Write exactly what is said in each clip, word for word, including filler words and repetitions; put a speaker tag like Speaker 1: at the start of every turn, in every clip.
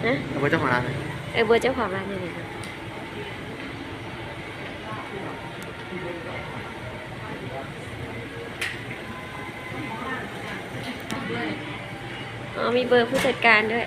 Speaker 1: นะ
Speaker 2: เอาเบอร์เจ้าของร้านเลย
Speaker 1: เออเบอร์เจ้าของร้านนี่เลยอ๋อมีเบอร์ผู้จัดการด้วย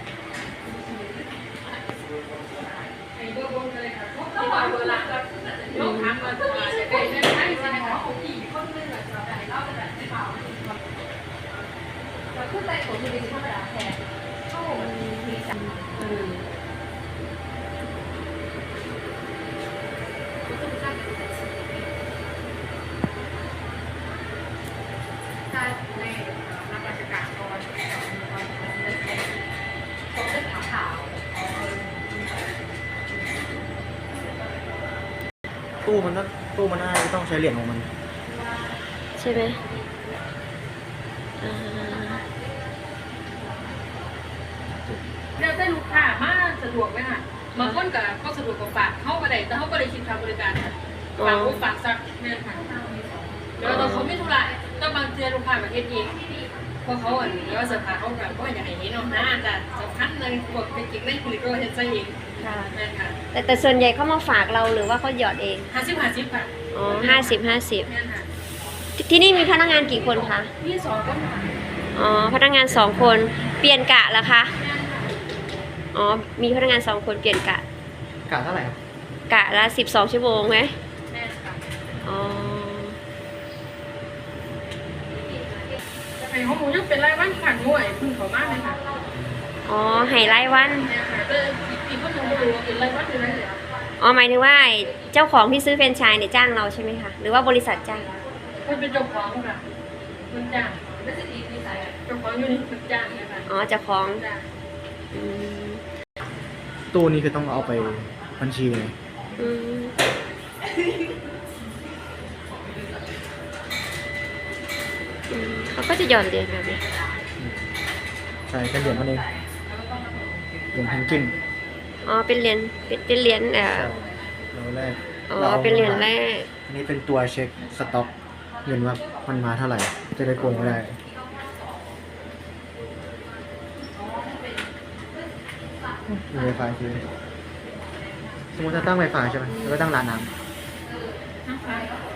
Speaker 2: ตู้มันต้องตู้มันน่าจะต้องใช้เหรียญของมัน
Speaker 1: ใช่ไหมอ่า
Speaker 3: เดี๋ยวได้ลูกค้ามาสะดวกไหมคะบางคนก็ก็สะดวกกว่าฝากเข้าก็ได้แต่เขาก็ได้คิดค่าบริการค่ะฝากฝากสักเดือนค่ะเดี๋ยวเราเขาไม่ธุระก็บางเจอลูกค้าประเทศเองเพราะเขาอ่ะเดี๋ยวสภาเขาแบบก็อยากให้เห็นเนาะนะแต่สำคัญเลยพวกเป็นจิกเล่นผลิตก็เห็นใจเอง
Speaker 1: ค่ะ
Speaker 3: แม่ค่ะ
Speaker 1: แต่แต่ส่วนใหญ่เขามาฝากเราหรือว่าเขาหยอดเอง
Speaker 3: ห้าสิบห้าสิบค่ะ
Speaker 1: อ๋อห้าสิบห้าสิบ
Speaker 3: แม่ค่ะ
Speaker 1: ที่นี่มีพนักงานกี่คนคะ
Speaker 3: พี่สองก็มา
Speaker 1: อ๋อพนักงานสองคนเปลี่ยนกะเหรอคะ
Speaker 3: แม่ค่ะ
Speaker 1: อ๋อมีพนักงานสองคนเปลี่ยนกะ
Speaker 2: กาเท่าไหร่ครับ
Speaker 1: กะละสิบสองชั่วโมงไหม
Speaker 3: แม่ค่ะ
Speaker 1: อ๋อ
Speaker 3: จะให้ข้อมูลยังเป็นรายวันขันงวยพึ่งเขามากเลยค่ะ
Speaker 1: อ๋อไฮไลท์วัน
Speaker 3: แม่ค่ะแต่อีกคนยังไม่รู้ว่าเป็นรายวันหรืออะไรเหรอ
Speaker 1: อ๋อหมายถึงว่าไอ้เจ้าของที่ซื้อแฟรนไชส์เนี่ยจ้างเราใช่ไหมคะหรือว่าบริษัทจ้าง
Speaker 3: มันเป็นเจ้าของค่ะคนจ้างไม่ใช่ดีนิสัยเจ้าของอยู่นี่คนจ้างนะคะ
Speaker 1: อ๋อเจ้าของ
Speaker 3: จ้าง
Speaker 1: อืม
Speaker 2: ตู้นี้คือต้องเอาไปบัญชีเลย
Speaker 1: อืมอืมเขาก็จะหย่อนเหรียญแบบนี้
Speaker 2: ใช่เป็นเหรียญมันเองเหรียญเพนกวิน
Speaker 1: อ๋อเป็นเหรียญเป็นเป็นเหรียญเอ่อ
Speaker 2: เราแรก
Speaker 1: อ๋อเป็นเหรียญแรก
Speaker 2: อันนี้เป็นตัวเช็คสต็อกเงินว่ามันมาเท่าไหร่ จะได้โกงไม่ได้มีไวไฟคือสมมติจะตั้งไวไฟใช่ไหมแล้วก็ตั้งร้านน้ำ